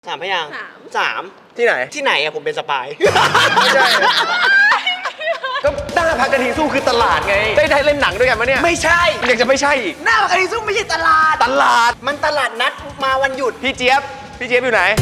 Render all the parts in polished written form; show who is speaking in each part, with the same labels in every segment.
Speaker 1: 3 พยางค์3
Speaker 2: ที่ไหน
Speaker 1: อะผมเป็นสปาย
Speaker 2: ไม่ใช่ก็หน้าพักกะทิสู้คือตลาดไงได้เล่นหนังด้วยกันปะเนี่ย
Speaker 1: ไม่ใช่
Speaker 2: ยังจะไม่ใช่อีก
Speaker 1: หน้าพักกะทิซุ่มไม่ใช่ตลาดมันตลาดนัดมาวันหยุด
Speaker 2: พี่เจี๊ยบอยู่ไหน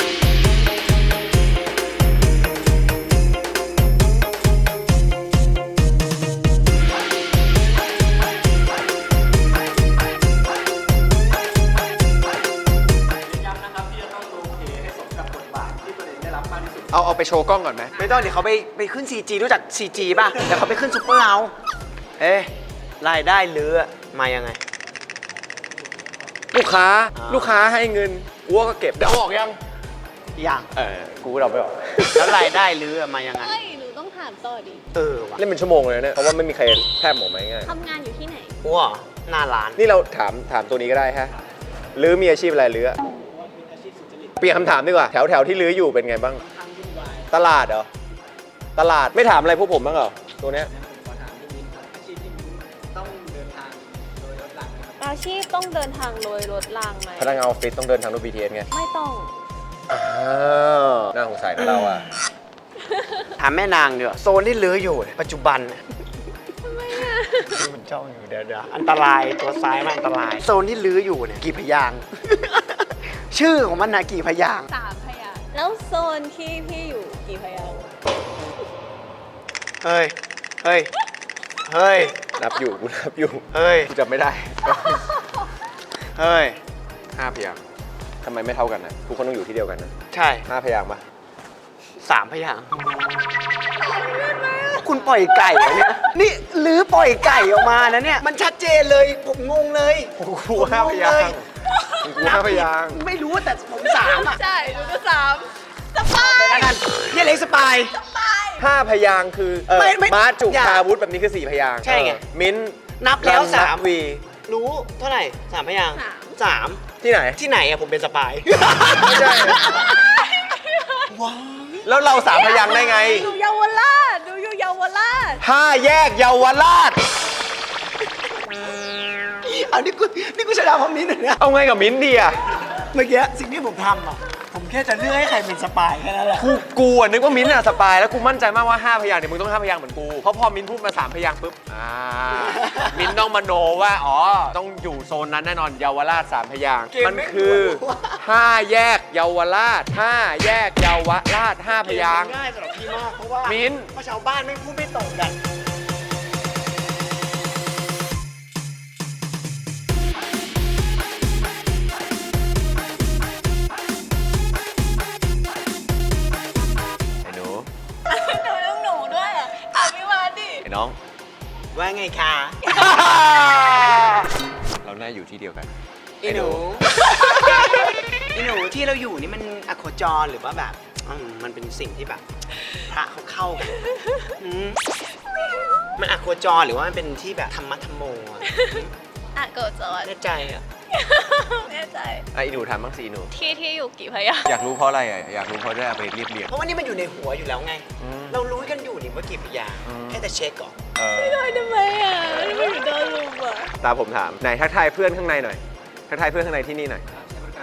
Speaker 2: เอาไปโชว์กล้องก่อนไหม
Speaker 1: ไม่ต้องเดี๋ยวเขาไปขึ้น 4G รู้จัก 4G ป่ะเดี๋ยวเขาไปขึ้นซุปเปอร์เรารายได้เรือมายังไง
Speaker 2: ลูกค้าให้เงินวัวก็เก็บเดี๋ยวออกยังกูเราไปออก
Speaker 1: แล้วรายได้เรือมายังไง
Speaker 3: หนูต้องถามต่อดิ
Speaker 1: ว่ะ
Speaker 2: เล่นเป็นชั่วโมงเลยเนี่ยเพราะว่าไม่มีใครแทบหมดไหมง่าย
Speaker 3: ทำงานอยู่ที่ไหน
Speaker 1: วัวหน้าร้าน
Speaker 2: นี่เราถามตัวนี้ก็ได้ฮะลื้อมีอาชีพอะไรลื้อเปลี่ยนคำถามดีกว่าแถวที่ลื้ออยู่เป็นไงบ้างตลาดเหรอตลาดไม่ถามอะไรพวกผมบ้างเหรอตัวเนี้ย
Speaker 3: อาชีพต้องเดินทางโดยรถรางไหม
Speaker 2: พนักงานออฟฟิศต้องเดินทางด้วย BTS ไง
Speaker 3: ไม่ต้อง
Speaker 2: น่าสงสัยนะเราอะ
Speaker 1: ถามแม่นางเดี๋ยวโซนที่ลื้ออยู่ปัจจุบัน
Speaker 3: ทำไมอะ
Speaker 1: มันจ้องอยู่เดี๋ยวอันตรายตัวซ้ายมันอันตรายโซนที่ลื้ออยู่เนี่ยกี่พยางค์ ชื่อของมันนะกี่พยางค์
Speaker 3: 3 พยางค์แล้วโซนที่พี่อยู่กี่พยางค์
Speaker 1: เฮ้ย
Speaker 2: นับอยู่กูกูจำไม่ได้5 พยางค์ทำไมไม่เท่ากันนะทุกคนต้องอยู่ที่เดียวกันนะ
Speaker 1: ใช่
Speaker 2: 5 พยางค์ปะ
Speaker 1: 3 พยางค์คุณปล่อยไก่เหรอเนี่ยนี่ลื้อปล่อยไก่ออกมานะเนี่ยมันชัดเจนเลยผมงงเลย
Speaker 2: กู5 พยางค์กู5 พยางค์
Speaker 1: ไม่รู้แต่ผม3อ่ะ
Speaker 3: ใช่หนูก็3สปาย
Speaker 1: เนี่ยเล็กสปาย
Speaker 2: 5 พยางค์คือม้าจุกพาวุธแบบนี้คือ4 พยางค์
Speaker 1: ใช่ไง
Speaker 2: มิ้น
Speaker 1: นับแล้ว3
Speaker 2: วี
Speaker 1: รู้เท่าไหร่3 พยางค์3
Speaker 2: ที่ไหน
Speaker 1: อะผมเป็นสปาย
Speaker 2: ไม่ใช่ว้าแล้วเรา3 พยางค์ได้ไง
Speaker 3: ดูเยาวราช
Speaker 2: 5 แยกเยาวราช
Speaker 1: เอานี่กูชนะเพราะมิ้นท์เนี่ย
Speaker 2: เอาไงกับมิ้นท์ดีอะ
Speaker 1: เมื่อกี้สิ่งที่ผมทำอะผมแค่จะเลือกให้ใครเป็นสปายแค่นั้นแหละ
Speaker 2: กูนึกว่ามิ้นท์อะสปายแล้วกูมั่นใจมากว่า5 พยางค์เนี่ยมึงต้อง5 พยางค์เหมือนกูเพราะพอมิ้นท์พูดมา3 พยางค์ปุ๊บมิ้นท์ต้องมโนว่าต้องอยู่โซนนั้นแน่นอนเยาวราช3 พยางค์มันคือ5 แยกเยาวราช5 แยกเยาวราช5 พยางค์
Speaker 1: ง่ายสำหรับพี่มากเพราะว่า
Speaker 2: มิ้นท์
Speaker 1: ชาวบ้านไม่พูดไม่ตรงกัน
Speaker 2: น้อง
Speaker 1: ว่าไงคะ
Speaker 2: เราน่าอยู่ที่เดียวกัน
Speaker 1: ไอ้หนูที่เราอยู่นี่มันอโคจรหรือว่าแบบมันเป็นสิ่งที่แบบพระเขาเข้ากันมันอโคจรหรือว่ามันเป็นที่แบบธรรมะธรรมโม
Speaker 3: อโคจร
Speaker 1: แน่ใจอ่ะ
Speaker 3: แน่ใจ
Speaker 2: ไอ้หนูถามบ้างสิหนู
Speaker 3: ที่อยู่กี่พยางค์
Speaker 2: อยากรู้เพราะอะไรอยากรู้เพราะได้เอาไปเรียบเรียง
Speaker 1: เพราะว่านี่มันอยู่ในหัวอยู่แล้วไงเรารู้กันอยู่นี่ว่ากี่พยางค์แค่แต่เช็คก่อน
Speaker 3: ไม่ได้ทำไมอ่ะไม่ถึงโดนลุมอ่ะ
Speaker 2: ตาผมถามไหนทักทายเพื่อนข้างในหน่อยทักทายเพื่อนข้างในที่นี่หน่อย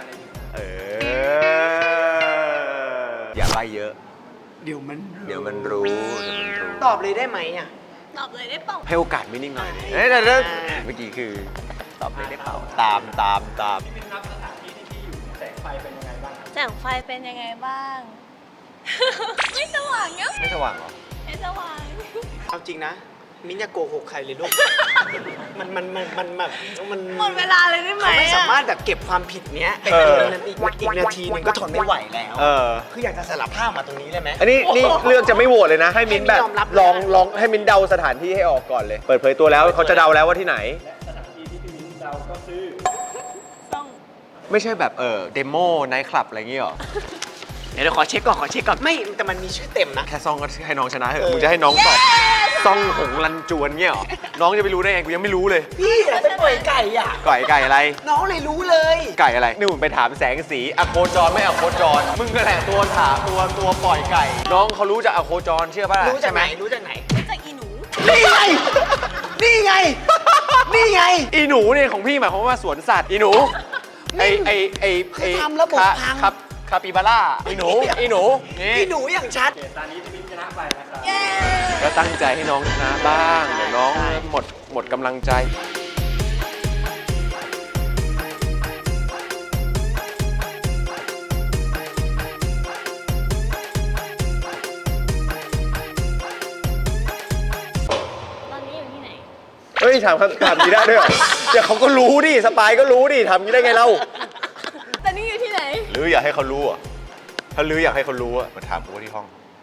Speaker 2: อย่าใบ้เยอะ
Speaker 1: เดี๋ยวมัน
Speaker 2: รู้
Speaker 1: ตอบเลยได้ไหมอ่ะ
Speaker 3: ตอบเลยได้เปล่า
Speaker 2: ให้โอกาสไม่นิ่งหน่อยเมื่อกี้คือตอบเลยได้เปล่าตาม
Speaker 1: พี่เป็นนับสถานที่ที่พี่อยู่แสงไฟเป็นยังไงบ้าง
Speaker 3: แสงไฟเป็นยังไงบ้างไม่สว่างเนาะ
Speaker 2: ไม่สว่างหรอ
Speaker 3: ไม่สว่าง
Speaker 1: เอาจริงนะมิ้นอย่าโกหกใครเลยลูกมันแบบ
Speaker 3: หมดเวลาเลยได้ไหม
Speaker 1: เขาไม่สามารถแบบเก็บความผิดเนี้ยไปเกินอีกนาทีนึงก็ทนไม่ไหวแล้วคืออยากจะสารภาพมาตรงนี้เลยไหม
Speaker 2: อันนี้เลือกจะไม่โหวตเลยนะให้มิ้นแบบลองให้มิ้นเดาสถานที่ให้ออกก่อนเลยเปิดเผยตัวแล้วเขาจะเดาแล้วว่าที่ไหน
Speaker 1: สถานที่ที่พี่มิ้นเดาก็คือ
Speaker 3: ต้อง
Speaker 2: ไม่ใช่แบบเดโมไนท์คลับอะไรอย่างงี้หรอ
Speaker 1: เดี๋ยวขอเช็คก่อนไม่แต่มันมีชื่อเต็มนะ
Speaker 2: แค่ซ่องก็ให้น้องชนะเถอะมึงจะให้น้องตอบซ่องหงลันจวนเงี้ยหรอน้องจะไปรู้ได้ไงกูยังไม่รู้เลย
Speaker 1: พี่ไปปล่อยไก่อ่ะ
Speaker 2: ไก่อะไร
Speaker 1: น้องเลยรู้เลย
Speaker 2: ไก่อะไรนี่มึงไปถามแสงสีอโคจรไม่อโคจรมึงก็แหละตัวถามตัวปล่อยไก่น้องเขารู้จากอโคจรเชื่อป่ะ
Speaker 1: รู้จากไหนรู้จาก
Speaker 3: อีหนู
Speaker 1: นี่ไง
Speaker 2: อีหนูเนี่ยของพี่หมายความว่าสวนสัตว์อีหนูไอ
Speaker 1: ทำระบบพัง
Speaker 2: คาปิบาร่าไอ้หนูไอ้หนูนี่
Speaker 1: พี่หนูอย่างชัด
Speaker 3: เย้
Speaker 2: ก็ตั้งใจให้น้องชนะบ้างเดี๋ยวน้องหมดกำลังใจ
Speaker 3: ตอนนี้อยู่ที่ไหน
Speaker 2: เฮ้ยถามคำถามนี้ได้ด้วยเหรอเดี๋ยวเขาก็รู้ดิสปายก็รู้ดิทำนี้ได้ไงเล่า
Speaker 3: ตอนนี้อยู่ที่ไหน
Speaker 2: หรืออยากให้เขารู้อ่ะถ้าลืออยากให้เขารู้อ่ะมาถามกูที่ห้อง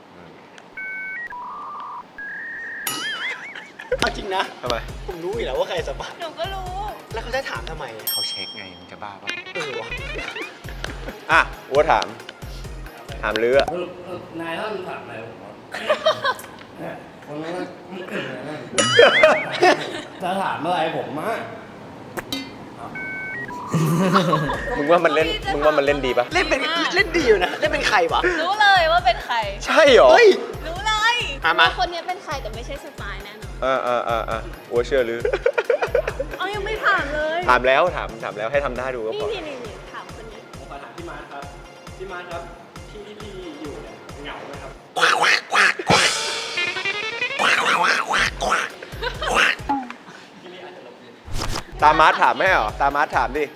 Speaker 1: เอาจริงนะ
Speaker 2: ทำไม
Speaker 1: ผมรู้อยู่แล้วว่าใครสปาย
Speaker 3: หนูก็รู้
Speaker 1: แล้วเขาจะถามทำไม
Speaker 2: เขาเช็คไงมึงจะบ้าป่ะ
Speaker 1: วะ
Speaker 2: อ่ะวัวถามลืออะ
Speaker 4: นายท่านถามอะไรผมวะคนนั้นจะถามอะไรผมมะ
Speaker 2: มึงว่ามันเล่นดีป่ะ
Speaker 1: เล่นเป็นเล่นดีอยู่นะ เล่นเป็นใครวะ
Speaker 3: รู้เลยว่าเป็นใคร
Speaker 2: ใช่เหรอ
Speaker 1: เฮ้ย
Speaker 3: รู้เลย
Speaker 1: มา
Speaker 3: ว่าคนนี้เป็นใครแต่ไม่ใช่สปายแน่นอน
Speaker 2: วัวเชื่อลือ
Speaker 3: เอายังไม่ถามเลย
Speaker 2: ถามแล้วให้ทำได้ดูก็พอ
Speaker 3: นี่ถามคนนี้
Speaker 4: ผมขอถามพี่มาร์คครับพี่มาร์คครับที่พี่อยู่เนี่ยเหงาไหมครับ
Speaker 2: ตามาร์ทถามไหมเหรอตามาร์ทถามดิ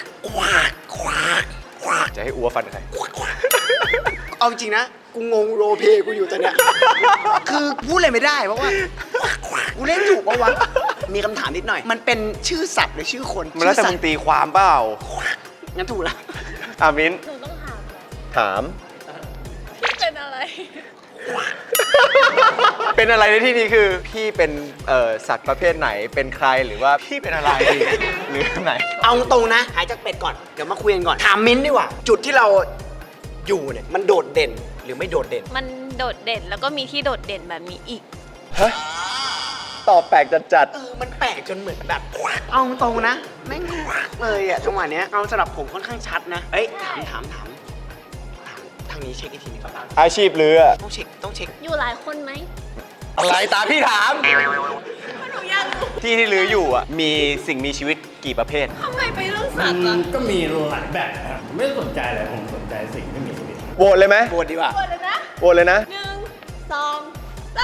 Speaker 2: จะให้อัวฟันใคร
Speaker 1: เอาจริงนะ กูงงโรลเพลย์กูอยู่ตอนเนี้ย คือพูดอะไรไม่ได้เพราะว่า กูเล่นถูกปะวะ มีคำถามนิดหน่อย มันเป็นชื่อสัตว์หรือชื่อคน
Speaker 2: มันแล้วแต่มึงตีความเปล่า
Speaker 1: งั้นถูกละ
Speaker 2: มิ้น
Speaker 3: หนูต้องถามเหรอ
Speaker 2: ถาม
Speaker 3: พี่เป็นอะไร
Speaker 2: เป็นอะไรในที่นี้คือ พี่เป็นสัตว์ประเภทไหนเป็นใครหรือว่าพี่เป็นอะไร หรือไหน
Speaker 1: เอาตรงนะ หายจากเป็ดก่อน เดี๋ยวมาคุยกันก่อน ถามมิ้นท์ดีกว่า จุดที่เราอยู่เนี่ย มันโดดเด่นหรือไม่โดดเด่น
Speaker 3: มันโดดเด่นแล้วก็มีที่โดดเด่นแบบนี้อีก
Speaker 2: ฮะตอบแปลกจัด
Speaker 1: มันแปลกจนเหมือนแบบ เอาตรงนะ แม่งเลยอะจังหวะเนี้ย เอาสำหรับผมค่อนข้างชัดนะ เอ้ย ถามทางนี้เช็คอีกทีนึงครับ
Speaker 2: อาชีพเรือ
Speaker 1: ต้องเช็ค
Speaker 3: อยู่หลายคนไหม
Speaker 2: อะไรตาพี่ถาม
Speaker 3: หนูอยากรู้
Speaker 2: ที่เรืออยู่อ่ะมีสิ่งมีชีวิตกี่ประเภท
Speaker 3: ทำไมไปเรื่อง
Speaker 4: มั
Speaker 3: สัต
Speaker 4: น
Speaker 3: ว์อะ
Speaker 4: ก็มีหลายแบบนะครับผมไม่สนใจเลยผมสนใจสิ่งที่มีชีวิต
Speaker 2: โหวตเลยไหม
Speaker 1: โบดดีกว่า
Speaker 3: หมดเลยนะ
Speaker 2: โหวตเลยนะ
Speaker 3: 1 2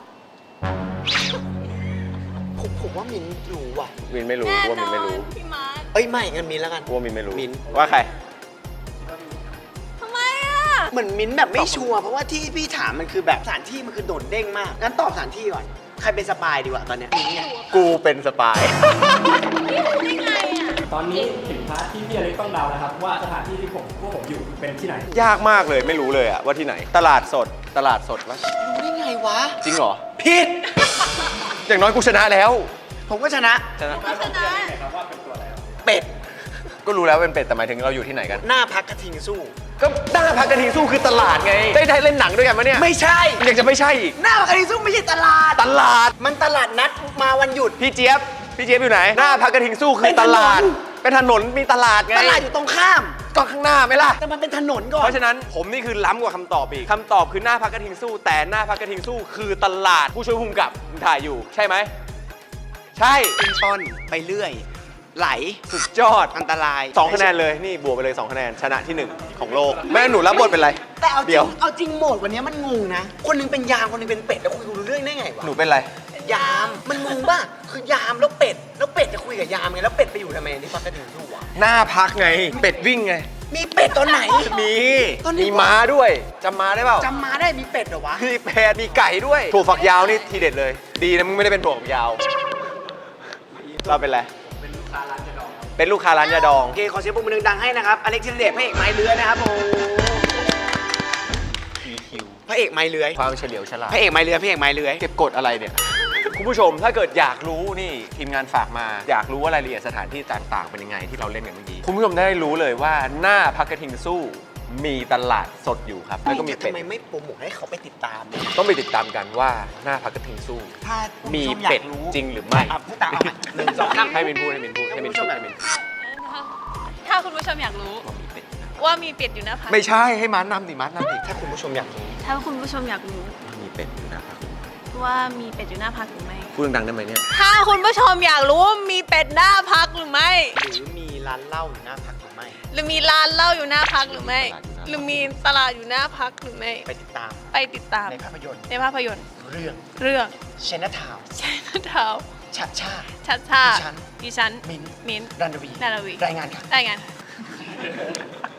Speaker 3: 3
Speaker 1: ผมว่ามิ้นท์รู้ว่ะ
Speaker 2: มินไม่รู้
Speaker 3: แน่
Speaker 2: ว่ามิ
Speaker 3: น
Speaker 2: น
Speaker 3: อ
Speaker 2: ไม่
Speaker 3: น
Speaker 2: รู้
Speaker 3: พี่มาร์ค
Speaker 1: เอ้ยไม่งั้นมิ้นท์แล้วกัน
Speaker 2: ว่ามินไม่รู้
Speaker 1: มิ้น
Speaker 2: ว่าใคร
Speaker 3: ทำไมอะ
Speaker 1: เหมือนมิ้นท์แบบไม่ชัวร์เพราะว่าที่พี่ถามมันคือแบบสถานที่มันคือโดดเด้งมาก งั้นตอบสถานที่ก่อน ใครเป็นสปายดีกว่าตอนเนี้ยมิ้นท์เนี่ย
Speaker 2: กูเป็นสปาย
Speaker 3: พี่รู้ได้ไงอะ
Speaker 4: ตอนนี้ถึงพาร์ทที่พี่อเล็กต้องเดาแล้วครับว่าสถานที่ที่พวกผมอยู่เป็นที่ไหน
Speaker 2: ยากมากเลยไม่รู้เลยอะว่าที่ไหน ตลาดสดวะ
Speaker 1: รู้ได้ไงวะ
Speaker 2: จริงเหรอ
Speaker 1: ผิด
Speaker 2: อย่างน้อยกูชนะแล้ว
Speaker 1: ผมก็ชนะ
Speaker 2: ชนะ
Speaker 3: พัฒนา
Speaker 1: เป็ด
Speaker 2: ก็รู้แล้วเป็นเป็ดแต่หมายถึงเราอยู่ที่ไหนกัน
Speaker 1: หน้าพักกระทิงสู้
Speaker 2: ก็หน้าพักกระทิงสู้คือตลาดไง ได้เล่นหนังด้วยกันมะเนี่ย
Speaker 1: ไม่ใช่
Speaker 2: ยังจะไม่ใช่อีก
Speaker 1: หน้าพักกระทิงสู้ไม่ใช่ตลาด
Speaker 2: ตลาด
Speaker 1: มันตลาดนัดมาวันหยุด
Speaker 2: พี่เจี๊ยบอยู่ไหน หน้าพักกระทิงสู้คือตลาด เป็นถนนมีตลาดไง
Speaker 1: ตลาดอยู่ตรงข้าม
Speaker 2: ก็ข้างหน้าไหมล่ะ
Speaker 1: แต่มันเป็นถนนก่อน
Speaker 2: เพราะฉะนั้นผมนี่คือล้ำกว่าคำตอบอีกคำตอบคือหน้าพักกระทิงสู้ แต่หน้าพักกระทิงสู้คือตลาดผู้ช่วยภูมิกับมึงถ่ายอยู่ใช่ไหมใช่
Speaker 1: เป็นต้นไปเรื่อย ไหล
Speaker 2: สุดยอด
Speaker 1: อันตราย
Speaker 2: 2 คะแนนเลยนี่บวกไปเลย 2 คะแนนชนะที่ 1 ของโลก แม่หนูรับบทเป็นอะไร
Speaker 1: แต่เอาจริ
Speaker 2: เดี๋ยว
Speaker 1: งเอาจริงโหมดวันนี้มันงงนะ คนหนึงเป็นยามคนหนึงเป็นเป็ดแล้วคุยกันรู้เรื่องได้ไงวะ
Speaker 2: หนูเป็นอะไร
Speaker 1: ยามมันงงป่ะคือยามแล้วเป็ดจะคุยกับยามไงแล้วเป็ดไปอยู่ทำไมนี่พักกระถิ่นสู้วะ
Speaker 2: หน้าพักไง เป็ดวิ่งไง
Speaker 1: มีเป็ดตอนไหน
Speaker 2: มี
Speaker 1: ตอนไหนวะ
Speaker 2: มีม้าด้วยจำม้าได้เปล่า
Speaker 1: จำมาได้มีเป็ดเหรอวะ
Speaker 2: มีแพะมีไก่ด้วยถั่วฝักยาวนี่ทีเด็ดเลย ดีนะมึงไม่ได้เป็นถั่วฝักยาว เราเป็นอะไร เป็นลูกค้าร้านยาดอง
Speaker 1: โอเคขอเสียงปรบมือดังๆให้นะครับอเล็กซินเดชพระเอกไม้เลื้อยนะครับผมพระเอกไม้เลื้อย
Speaker 2: ความเฉลียวฉลาด
Speaker 1: พระเอกไม้เลื้อยพระเอกไม้เลื้อย
Speaker 2: เก็บกดอะไรเนี่ย คุณผู้ชมถ้าเกิดอยากรู้นี่ทีมงานฝากมา อยากรู้ว่ารายละเอียดสถานที่ต่างๆ เป็นยังไงที่เราเล่นกันเมื่อกี้คุณผู้ชมได้รู้เลยว่าหน้าพักกระทิงสู้มีตลาดสดอยู่ครับแล้วก็มีเป็ด
Speaker 1: ทำไมไม่โปรโมทให้เขาไปติดตามเนี่ย
Speaker 2: ต้องไปติดตามกันว่าหน้าพักกระทิงสู้
Speaker 1: ถ้าคุณ
Speaker 2: มี
Speaker 1: ผู้ชอยา
Speaker 2: เป็ด
Speaker 1: กรู้
Speaker 2: จริงหรือไม่
Speaker 1: อ่ะพูดตามเอาใหม่หนึ่งสองสาม
Speaker 2: ให้มินพูดให้มินพูดให้มินพูดให้มินพูด
Speaker 3: ถ้าคุณผู้ชมอยากรู้ ว่ามีเป็ดอยู่หน้าพัก
Speaker 2: ไม่ใช่ให้ม้านำดิม้านำดิ
Speaker 1: ถ้าคุณผู้ชมอยากรู้
Speaker 3: ถ้าคุณผู้ชมอยากรู้
Speaker 2: มีเป็ดอยู่นะ
Speaker 3: ว่ามีเป็ดอยู่หน้าพักหรือไม่
Speaker 2: พูดดังๆได้ไหมเนี่ย
Speaker 3: ถ้าคุณผู้ชมอยากรู้ว่ามีเป็ดหน้าพักหรือไม่
Speaker 1: หรือมีร้านเหล้าอยู่หน้าพักหรือไม่
Speaker 3: หรือมีร้านเหล้าอยู่หน้าพักหรือไม่
Speaker 2: ตลาดอยู่นะ
Speaker 3: หรือมีตลาดอยู่หน้าพักหรือไม่
Speaker 1: ไปติดตาม
Speaker 3: ไปติดตาม
Speaker 1: ในภาพยนตร์
Speaker 3: ในภาพยนตร์
Speaker 1: เรื่อง
Speaker 3: เรื่อง
Speaker 1: เชนทาว
Speaker 3: ใช่นะเท้า
Speaker 1: ชัดชาติ
Speaker 3: ชัดชาติ
Speaker 1: ดิฉัน
Speaker 3: ดิฉัน
Speaker 1: มิ้น
Speaker 3: มิ้น
Speaker 1: รันดวี
Speaker 3: นาราวี
Speaker 1: รายงานค่ะ
Speaker 3: ได้งานค่ะ